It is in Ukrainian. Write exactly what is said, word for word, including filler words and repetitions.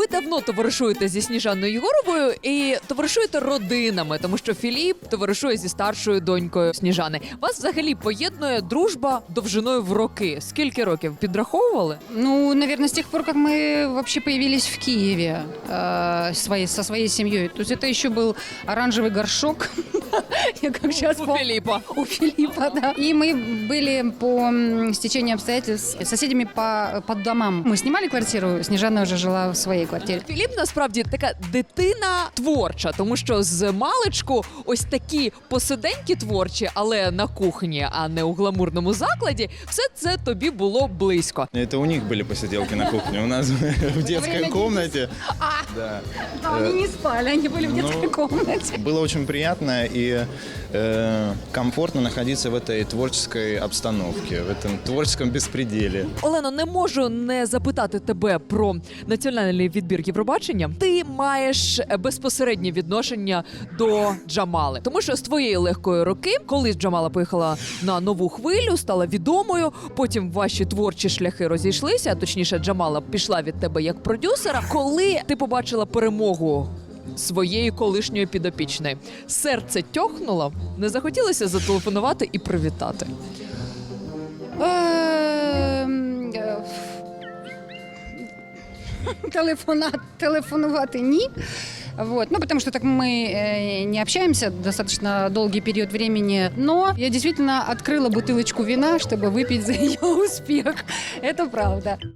Ви давно товаришуєте зі Сніжаною Єгоровою і товаришуєте родинами, тому що Філіп товаришує зі старшою донькою Сніжани. Вас взагалі поєднує дружба довжиною в роки. Скільки років підраховували? Ну, наверное, с тех пор, как мы вообще появились в Киеве э, своей, со своей семьей. То есть это еще был оранжевый горшок. Я как сейчас У Філіпа. У Филиппа, да. И мы были по м, стечению обстоятельств соседями по, по домам. Мы снимали квартиру, Снежана уже жила в своей квартире. Філіп насправді така дитина творча, тому що з маличку ось такі посиденьки творчі, але на кухні, а не у гламурному закладі, все це тобі було близько. Это у них были посиделки на кухне. У нас в детской комнате. Да. Да, они не спали, они были в детской Ну, комнате. Было очень приятно и э, комфортно находиться в этой творческой обстановке, в этом творческом беспределе. Олено, не можу не запитати тебе про національний відбір Євробачення. Ти маєш безпосереднє відношення до Джамали, тому що з твоєї легкої руки, коли Джамала поїхала на нову хвилю, стала відомою. Потім ваші творчі шляхи розійшлися. Точніше, Джамала пішла від тебе як продюсера. Коли ти побачила перемогу своєї колишньої підопічної, серце тьохнуло, не захотілося зателефонувати і привітати. Ем, е, Телефона, телефонувати ні. Вот. Ну, потому что так мы э, не общаемся достаточно долгий период времени. Но я действительно открыла бутылочку вина, чтобы выпить за ее успех. Это правда.